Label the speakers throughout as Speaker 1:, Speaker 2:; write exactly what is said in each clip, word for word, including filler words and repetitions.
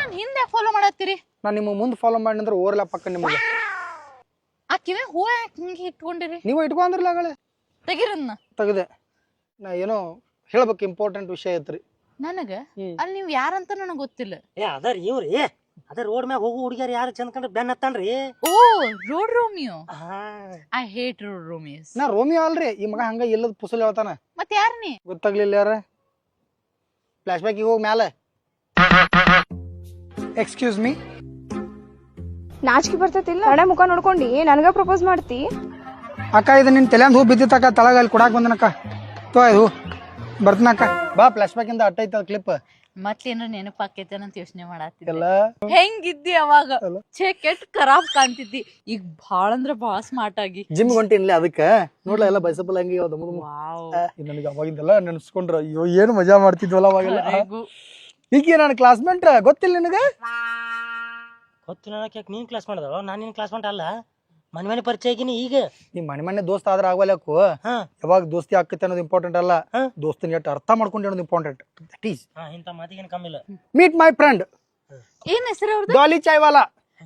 Speaker 1: ನನ್ ಹಿಂದೆ ಫಾಲೋ ಮಾಡತ್ತೀರಿ?
Speaker 2: ನಾನು ನಿಮ್ಮ ಮುಂದೆ ಫಾಲೋ ಮಾಡಿ ಅಂದ್ರೆ ಓರ್ಲ ಪಕ್ಕ ನಿಮಗೆ.
Speaker 1: ಆ ಕಿವಿ ಹೂ ಹಿಂಗೆ ಇಟ್ಕೊಂಡಿರಿ?
Speaker 2: ನೀವು ಇಟ್ಕೊಂಡ್ರಲ್ಲ ಆಗಳೆ.
Speaker 1: ತೆಗಿರನ್ನ
Speaker 2: ತೆಗದೆ. ನಾ ಏನೋ ಹೇಳ್ಬೇಕು ಇಂಪಾರ್ಟೆಂಟ್ ವಿಷಯ ಐತ್ರಿ
Speaker 1: ನನಗ. ಅಲ್ಲಿ ನೀವ್ ಯಾರಂತ ನನಗ್ ಗೊತ್ತಿಲ್ಲ.
Speaker 3: ಏ ಅದರ್ ಇವ್ರಿ ಅದ ರೋಡ್ ಮ್ಯಾಗ ಹೋಗು ಹುಡುಗಿಯರ್ ಯಾರು ಚಂದ ಕಂಡ್ರೆ ಬೆನ್ನ ಹತ್ತಾನ್ರಿ.
Speaker 1: ಓ road Romeo. I hate road Romeos.
Speaker 2: ನಾ ರೋಮಿಯೋ ಅಲ್ರಿ, ಈ ಮಗ ಹಂಗ ಇಲ್ಲದ ಪುಸಲ್ ಹೇಳ್ತಾನ.
Speaker 1: ಮತ್ ಯಾರ ನೀ?
Speaker 2: ಗೊತ್ತಾಗ್ಲಿಲ್ಲ ಯಾರ? ಫ್ಲಾಶ್ ಬ್ಯಾಕ್ ಹೋಗಿ ಮ್ಯಾಲ. Excuse me.
Speaker 4: ನಾಚಿಕೆ ಬರ್ತೈತಿಲ್ಲ? ಕಡೆ ಮುಖ ನೋಡ್ಕೊಂಡು ನನಗ ಪ್ರಪೋಸ್ ಮಾಡ್ತಿ?
Speaker 2: ಅಕ್ಕ ಇದು ನಿನ್ ತಲೆಂದ್ ಹೂ ಬಿದ್ದಿತ್ತಕ್ಕ, ತಳಗ ಅಲ್ಲಿ ಕೊಡಾಕ್ ಬಂದನಕ್ಕ. ತೋ ಇದು ಬರ್ತನಕ್ಕ. ಬಾ ಫ್ಲಾಶ್ ಬ್ಯಾಕ್ ಇಂದ ಅಟ್ಟ ಐತ ಕ್ಲಿಪ್.
Speaker 1: ಮತ್ತೇನ್ರ ನೆನಪಾಕೈತೇನಂತ ಯೋಚನೆ ಮಾಡತ್ತಿದ್ದೆ.
Speaker 2: ಎಲ್ಲ
Speaker 1: ಹೆಂಗಿದ್ದಿ ಅವಾಗ? ಛೇ ಕೆಟ್ಟ ಖರಾಬ್ ಕಾಣ್ತಿದ್ದಿ. ಈಗ ಬಾಳ ಅಂದ್ರ ಬಾಳ ಸ್ಮಾರ್ಟ್ ಆಗಿ.
Speaker 2: ಜಿಮ್ ಹೊಂಟಿನ್ಲಿ ಅದಕ್ಕ ನೋಡ್ಲ ಎಲ್ಲ ಬೈಸಪ್ಪಲ್ ಹಂಗೆ ಯಾವ್ದು
Speaker 1: ವಾವ್.
Speaker 2: ನನಗೆ ಅವಾಗಿಂದೆಲ್ಲ ನೆನ್ಸ್ಕೊಂಡ್ರ ಅಯ್ಯೋ ಏನು ಮಜಾ ಮಾಡ್ತಿದ್ವಲ್ಲ ಅವಾಗೆಲ್ಲ. ಈಗ ನನ್ನ ಕ್ಲಾಸ್ಮೇಟ್ ಗೊತ್ತಿಲ್ಲ ನಿನಗ?
Speaker 3: ಗೊತ್ತಿಲ್ಲ ಯಾಕೆ ನೀನ್ ಕ್ಲಾಸ್ ಮಾಡಿದವ? ನಾನ್ ನಿನ್ ಕ್ಲಾಸ್ ಅಲ್ಲ, ಮನೆ ಮನೆ ಪರಿಚಯ ಆಗಿನಿ. ಈಗ
Speaker 2: ನೀ ಮನೆ ಮನೆ ದೋಸ್ತ ಆದ್ರ ಆಗವಲ್ಲಕು. ಯಾವಾಗ ದೋಸ್ತಿ ಆಕೈತೆ ಅನ್ನೋದು ಇಂಪಾರ್ಟೆಂಟ್ ಅಲ್ಲ, ದೋಸ್ತಿನ ಎಷ್ಟು ಅರ್ಥ ಮಾಡ್ಕೊಂಡು ಅನ್ನೋದು ಇಂಪಾರ್ಟೆಂಟ್. ದಟ್ ಈಸ್
Speaker 3: ಇಂತ ಮಾತಿಗೇನು ಕಮ್ಮಿ ಇಲ್ಲ.
Speaker 2: Meet my friend.
Speaker 1: ಏನ್ ಹೆಸರು ಅವ್ರದ್ದು?
Speaker 2: ಡಾಲಿ ಚಾಯ್ವಾಲಾ.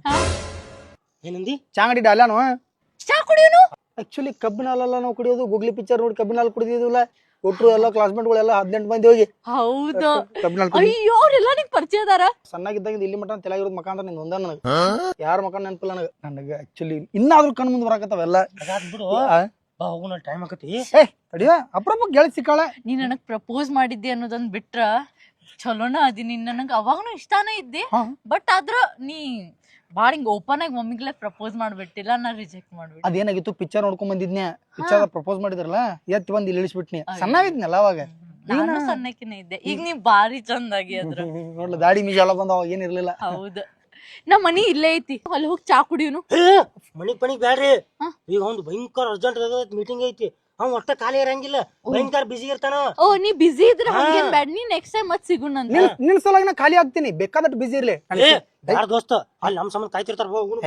Speaker 3: ಏನಂದಿ?
Speaker 2: ಚಾಂಗಡಿ ಡಾಲ್ಯಾನು.
Speaker 1: ಚಾ ಕುಡಿಯೋನು?
Speaker 2: ಆಕ್ಚುಲಿ ಕಬ್ಬಿನ ಹಾಲಲ್ಲ ನಾವು ಕುಡಿಯೋದು. ಗುಗ್ಲಿ ಪಿಕ್ಚರ್ ನೋಡಿ ಕಬ್ಬಿನ ಹಾಲು ಕುಡಿದಿದ್ದಿಲ್ಲ. ಒಟ್ರು ಎಲ್ಲ ಕ್ಲಾಸ್ಮೇಟ್ಗಳೆಲ್ಲ ಹದಿನೆಂಟು ಮಂದಿ ಹೋಗಿ
Speaker 1: ಹೌದು.
Speaker 2: ಕಬ್ಬಿನ ಹಾಲು.
Speaker 1: ಅಯ್ಯೋ ಅವ್ರೆಲ್ಲ ನಿಂಗೆ ಪರಿಚಯ ಅದಾರ?
Speaker 2: ಸಣ್ಣಾಗಿದ್ದಾಗ ಇಲ್ಲಿ ಮಟ್ಟ ತಲೆಯಾಗಿರೋದು ಮಕ ಅಂದ್ರೆ ನಿಂದ ಒಂದ ನನಗೆ. ಯಾರ ಮಕ ನೆನಪಿಲ್ಲ ನನಗೆ. ನನಗೆ ಆಕ್ಚುಲಿ ಇನ್ನಾದ್ರೂ ಕಣ್ ಮುಂದೆ ಬರಾಕತ್ತಾವೆಲ್ಲ.
Speaker 3: ಬಿಡು ಹೋಗೋಣ, ಟೈಮ್ ಆಕತಿ.
Speaker 2: ಏ ತಡಿಯ ಅಪ್ರೂಪ ಗೆಳತಿ ಸಿಕ್ಕಾಳೆ.
Speaker 1: ನೀ ನನಗ್ ಪ್ರಪೋಸ್ ಮಾಡಿದ್ದೆ ಅನ್ನೋದನ್ ಬಿಟ್ರ ಚಲೋನ ಅದಿ. ನೀನ್ ನನಗ್ ಅವಾಗನು ಇಷ್ಟಾನೇ ಇದ್ದೆ. ಬಟ್ ಆದ್ರ ನೀ ಬಾಳ ಹಿಂಗ ಓಪನ್ ಆಗಿ ಮಮ್ಮಿಗ್ಲೇ ಪ್ರಪೋಸ್ ಮಾಡ್ಬಿಟ್ಟಿಲ್ಲ, ನಾ ರಿಜೆಕ್ಟ್ ಮಾಡ್ಬಿಟ್ಟು.
Speaker 2: ಅದೇನಾಗಿತ್ತು, ಪಿಕ್ಚರ್ ನೋಡ್ಕೊಂಡ್ ಬಂದಿದ್ನ್ಯಾ. ಪಿಕ್ಚರ್ ಪ್ರಪೋಸ್ ಮಾಡಿದ್ರಲ್ಲ, ಎತ್ ಬಂದ್ ಇಲ್ಲಿ ಇಳಿಸ್ಬಿಟ್ನಿ. ಸಣ್ಣವಿದ್ನಲ್ಲ ಅವಾಗ.
Speaker 1: ನಾನು ಸಣ್ಣಕಿನೇ ಇದ್ದೆ. ಈಗ ನೀ ಬಾರಿ ಚಂದಾಗಿ ಅದ್ರ
Speaker 2: ನೋಡ್ಲ ದಾಡಿ ಮೀಜ ಎಲ್ಲ ಬಂದ ಅವಾಗ ಏನಿರ್ಲಿಲ್ಲ.
Speaker 1: ಹೌದು. ನಮ್ ಮನಿ ಇಲ್ಲೇ ಐತಿ, ಅಲ್ಲಿ ಹೋಗಿ ಚಾ ಕುಡಿಯೋನು.
Speaker 3: ಮನಿಗ್ ಪಣಿಗ್ ಬ್ಯಾಡ್ರಿ. ಈಗ ಒಂದು ಭಯಂಕರ ಅರ್ಜೆಂಟ್ ಮೀಟಿಂಗ್ ಐತಿ, ಅವ್ ಒಟ್ಟ ಖಾಲಿ ಇರಂಗಿಲ್ಲ, ಭಯಂಕರ ಬಿಸಿ ಇರ್ತಾನ.
Speaker 1: ಓ ನೀ ಬಿಸಿ ಇದ್ರೆ ಹಂಗೇನ್ ಬ್ಯಾಡ, ನೀ ನೆಕ್ಸ್ಟ್ ಟೈಮ್ ಮತ್ ಸಿಗುಣ ಅಂತ.
Speaker 2: ನಿನ್ ಸಲಾಗಿ ನಾ ಖಾಲಿ ಆಗ್ತೀನಿ, ಬೇಕಾದಟ್ಟು ಬಿಸಿ ಇರ್ಲಿ.
Speaker 3: ಯಾರ ದೋಸ್ತ ಅಲ್ಲಿ ನಮ್ ಸಂಬಂಧ ಕಾಯ್ತಿರ್ತಾರ.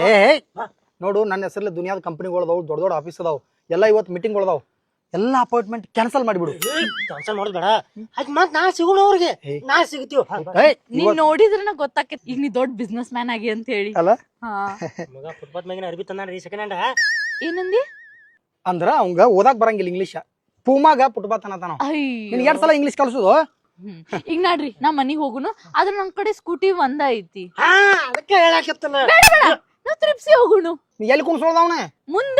Speaker 2: ನೋಡು, ನನ್ನ ಹೆಸರಲ್ಲಿ ದುನಿಯಾದ ಕಂಪನಿಗಳದಾವು, ದೊಡ್ಡ ದೊಡ್ಡ ಆಫೀಸ್ ಅದಾವು, ಎಲ್ಲ ಇವತ್ತು ಮೀಟಿಂಗ್ ಅದಾವು. ಎಲ್ಲ ಅಪಾಯಿಂಟ್ಮೆಂಟ್ ಕ್ಯಾನ್ಸಲ್ ಮಾಡಿಬಿಡು.
Speaker 3: ಕ್ಯಾನ್ಸಲ್ ಮಾಡೋದ್ ಬೇಡ, ಅದ್ ಮತ್ ನಾ ಸಿಗೋಣ ಅವ್ರಿಗೆ. ನಾ ಸಿಗ್ತೀವಿ.
Speaker 1: ನೀನ್ ನೋಡಿದ್ರೆ ಗೊತ್ತಾಕೈತಿ ಈಗ ನೀ ದೊಡ್ಡ ಬಿಸ್ನೆಸ್ ಮ್ಯಾನ್ ಆಗಿ ಅಂತ ಹೇಳಿ.
Speaker 2: ಅಲ್ಲ
Speaker 3: ಮಗ ಫುಟ್ಪಾತ್ ಮ್ಯಾಗಿನ ಅರ್ಬಿ ತಂದಾನ್ರಿ ಸೆಕೆಂಡ್ ಹ್ಯಾಂಡ್.
Speaker 1: ಏನಂದಿ?
Speaker 2: ಅಂದ್ರ ಅವಂಗ ಓದಾಕ್ ಬರಂಗಿಲ್ಲ ಇಂಗ್ಲೀಷ್. ಪೂಮಾಗ ಪುಟ್ಬಾತ್ ಅನ್ನತಾನ. ನಿನ್ ಎರಡ್ ಸಲ ಇಂಗ್ಲೀಷ್ ಕಲ್ಸುದು.
Speaker 1: ಈಗ ನೋಡ್ರಿ ನಾ ಮನಿಗ್ ಹೋಗುನು, ಆದ್ರ ನನ್ ಕಡೆ ಸ್ಕೂಟಿ ಒಂದ ಐತಿ.
Speaker 3: ಅದಕ್ಕೆ ಹೇಳಾಕತ್ತಲ್ಲ,
Speaker 1: ನಾ ತ್ರಿಪ್ಸಿ ಹೋಗುನು.
Speaker 2: ನೀ ಎಲ್ಲಿ ಕುಣ್ಸೋದವನ
Speaker 1: ಮುಂದ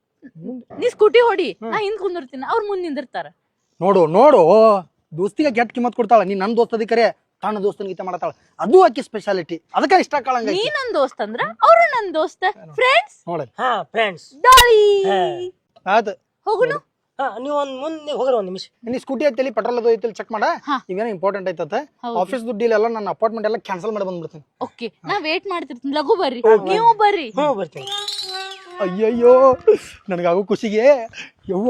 Speaker 1: ನೀ ಸ್ಕೂಟಿ ಹೊಡಿ, ನಾ ಹಿಂದ್ ಕುಂದಿರ್ತೀನಿ, ಅವ್ರ ಮುಂದ್ ನಿಂದಿರ್ತಾರ.
Speaker 2: ನೋಡು ನೋಡು, ದೋಸ್ತಿಗೆ ಕೆಟ್ಟ ಕಿಮ್ಮತ್ ಕೊಡ್ತಾಳ. ನೀ ನನ್ ದೋಸ್ತ ಅದಿಕರೆ ತನ್ನ ದೋಸ್ತನ ಗೀತ ಮಾಡತಾಳ, ಅದು ಆಕಿ ಸ್ಪೆಷಾಲಿಟಿ. ಅದಕ್ಕೆ ಇಷ್ಟ ಆಕಳಂಗ.
Speaker 1: ನೀ ನನ್ ದೋಸ್ತ ಅಂದ್ರ ಅವ್ರು ನನ್ ದೋಸ್ತ, ಫ್ರೆಂಡ್ಸ್.
Speaker 2: ನೋಡ
Speaker 3: ಹಾ ಫ್ರೆಂಡ್ಸ್.
Speaker 1: ಡಾಲಿ
Speaker 2: ಆಯ್ತು
Speaker 1: ಹೋಗುನು.
Speaker 3: ನೀವ್ ಒಂದ್ ಮುಂದೆ ಹೋಗ್ರ ಒಂದ್ ನಿಮಿಷ.
Speaker 2: ನೀ ಸ್ಕೂಟಿ ಐತಿ, ಪೆಟ್ರೋಲ್ ಅದು ಐತಿ, ಚೆಕ್ ಮಾಡ. ಇವೇನೋ ಇಂಪಾರ್ಟೆಂಟ್ ಐತತ್ತ. ಆಫೀಸ್ ದುಡ್ಡು ಇಲ್ಲ, ನನ್ನ ಅಪಾರ್ಟ್ಮೆಂಟ್ ಎಲ್ಲ ಕ್ಯಾನ್ಸಲ್ ಮಾಡಿ ಬಂದ್ಬಿಡ್ತೀನಿ.
Speaker 1: ಓಕೆ, ನಾ ವೇಟ್ ಮಾಡ್ತಿರ್ತೀನಿ, ಲಘು ಬರ್ರಿ. ನೀವು ಬರ್ರಿ.
Speaker 3: ಹ್ಞೂ ಬರ್ತೀನಿ.
Speaker 2: ಅಯ್ಯಯ್ಯೋ ನನಗಾಗೋ ಖುಷಿಗೆ ಯವ್ವ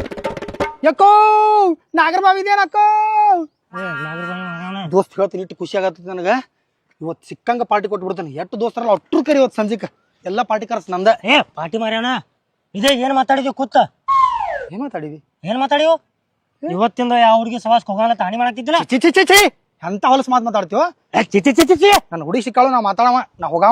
Speaker 2: ಯಾಕೋ ನಾಗರಬಾವಿ ಇದೇನಕ್ಕೋ. ದೋಸ್ತ್ ಹೇಳ್ತೀನಿ, ಇಟ್ಟು ಖುಷಿ ಆಗತ್ತ ನನಗ. ಇವತ್ತು ಸಿಕ್ಕಂಗ ಪಾರ್ಟಿ ಕೊಟ್ಬಿಡ್ತಾನೆ. ಎಷ್ಟು ದೋಸ್ತರಲ್ಲ ಒಟ್ಟರು ಕರಿ ಇವತ್ತು ಸಂಜಿಕ ಎಲ್ಲ ಪಾರ್ಟಿ ಕರ್ಸ್ ನಂದ.
Speaker 3: ಏ ಪಾರ್ಟಿ ಮಾರ್ಯಾಣ, ಇದೇ ಏನ್ ಮಾತಾಡಿದ್ವಿ ಕೂತ?
Speaker 2: ಏನ್ ಮಾತಾಡಿವಿ?
Speaker 3: ಏನ್ ಮಾತಾಡಿವು? ಇವತ್ತಿಂದ ಯಾವ ಹುಡುಗಿ ಸವಾಸ್ ಹೋಗೋಣ ತಾಣಿ ಮಾಡಾಕ್ತಿದ್ದಿಲ್ಲ.
Speaker 2: ಚಿ ಚಿ ಚಿ ಚಿ ಎಂತ ಹೊಲಸ್ ಮಾತು ಮಾತಾಡ್ತೀವ?
Speaker 3: ಚಿಚಿ ಚಿಚಿ ಚಿ
Speaker 2: ನನ್ನ ಹುಡುಗಿ ಸಿಕ್ಕಾಳು, ನಾ ಮಾತಾಡವ, ನಾ ಹೋಗವ.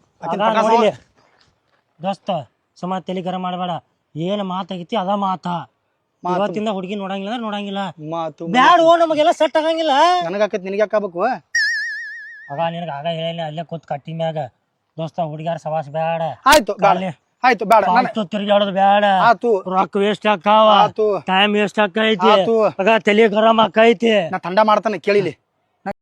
Speaker 3: ದೋಸ್ತ ಸುಮ ತಲೆ ಗರಂ ಮಾಡಬೇಡ. ಏನ್ ಮಾತಾಗಿತಿ ಅದ ಮಾತಾ. ಇವತ್ತಿಂದ ಹುಡುಗಿ ನೋಡಂಗಿಲ್ಲ ಅಂದ್ರೆ ನೋಡಂಗಿಲ್ಲ.
Speaker 2: ಮಾತು
Speaker 3: ಬ್ಯಾಡ, ನಮಗೆಲ್ಲ ಸೆಟ್ ಆಗಂಗಿಲ್ಲ.
Speaker 2: ನನಗಾಕತ್ ನಿನಗೆ ಯಾಕಾಗಬೇಕು?
Speaker 3: ಆಗ ನಿನಗ ಆಗ ಹೇಳಿಲ್ಲ, ಅಲ್ಲೇ ಕೂತ್ ಕಟ್ಟಿ ಮ್ಯಾಗ. ದೋಸ್ತ ಹುಡುಗಿಯಾರ ಸವಾಸ್ ಬ್ಯಾಡ.
Speaker 2: ಆಯ್ತು ಆಯ್ತು ಬೇಡ,
Speaker 3: ತಿರುಗಾಡೋದು ಬ್ಯಾಡ.
Speaker 2: ಆತು,
Speaker 3: ರೊಕ್ಕ ವೇಸ್ಟ್ ಆಕಾವ, ಟೈಮ್ ವೇಸ್ಟ್ ಆಕೈತಿ, ಆಗ ತಲೆ ಗರಂ ಆಕೈತಿ.
Speaker 2: ನಾ ತಂಡ ಮಾಡ್ತಾನೆ ಕೇಳಿಲಿ.